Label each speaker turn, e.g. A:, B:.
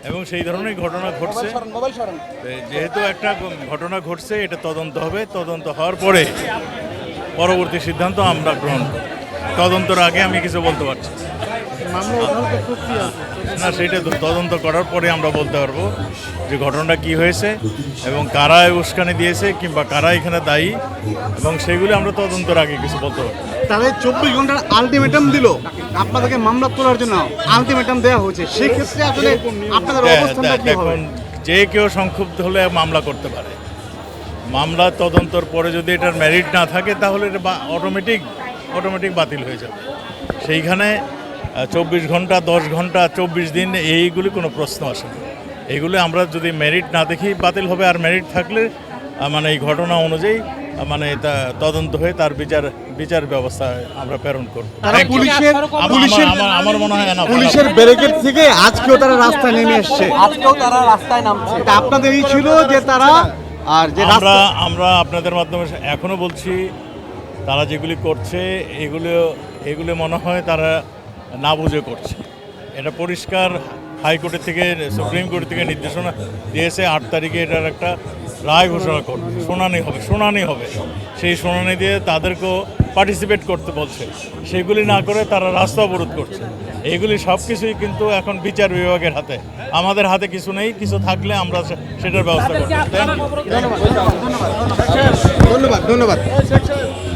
A: এবং সেই ধরনের ঘটনা ঘটছে। যেহেতু একটা ঘটনা ঘটছে, এটা তদন্ত হবে, তদন্ত হওয়ার পরে পরবর্তী সিদ্ধান্ত আমরা গ্রহণ করব। তদন্তের আগে আমি কিছু বলতে পারছি না, সেটা তদন্ত করার পরে আমরা বলতে পারবো যে ঘটনাটা কি হয়েছে এবং কারা উস্কানি দিয়েছে কিংবা কারা এখানে দায়ী, এবং সেগুলি আমরা তদন্তের আগে কিছু বলতে পারবো।
B: তাহলে 24 ঘন্টার আলটিমেটাম দিল, আপনাদেরকে মামলা তোলার জন্য আলটিমেটাম দেওয়া হয়েছে, সেই ক্ষেত্রে আসলে আপনাদের অবস্থানটা কি হবে?
A: দেখুন, যে কেউ সংক্ষুব্ধ হলে মামলা করতে পারে। মামলা তদন্তর পরে যদি এটার মেরিট না থাকে তাহলে এটা অটোমেটিক বাতিল হয়ে যাবে। সেইখানে 24 ঘন্টা, 10 ঘন্টা, 24 দিন এইগুলি কোনো প্রশ্ন আসে না। এইগুলি আমরা যদি মেরিট না দেখি বাতিল হবে, আর মেরিট থাকলে মানে এই ঘটনা অনুযায়ী মানে তা তদন্ত হয়ে তার বিচার ব্যবস্থা আমরা প্রেরণ করব। আমার মনে হয় না
B: পুলিশের ব্যারিকেড থেকে আজকেও তারা রাস্তায় নেমে এসছে, তা আপনাদের এই ছিল যে তারা আর যে
A: আমরা আপনাদের মাধ্যমে এখনো বলছি, তারা যেগুলি করছে এগুলো মনে হয় তারা না বুঝে করছে। এটা পরিষ্কার হাইকোর্টের থেকে, সুপ্রিম কোর্ট থেকে নির্দেশনা দিয়েছে 8 তারিখে এটার একটা রায় ঘোষণা করবে, শুনানি হবে। সেই শুনানি দিয়ে তাদেরকেও পার্টিসিপেট করতে বলছে, সেগুলি না করে তারা রাস্তা অবরোধ করছে। এইগুলি সব কিছুই কিন্তু এখন বিচার বিভাগের হাতে, আমাদের হাতে কিছু নেই। কিছু থাকলে আমরা সেটার ব্যবস্থা করব।
B: ধন্যবাদ।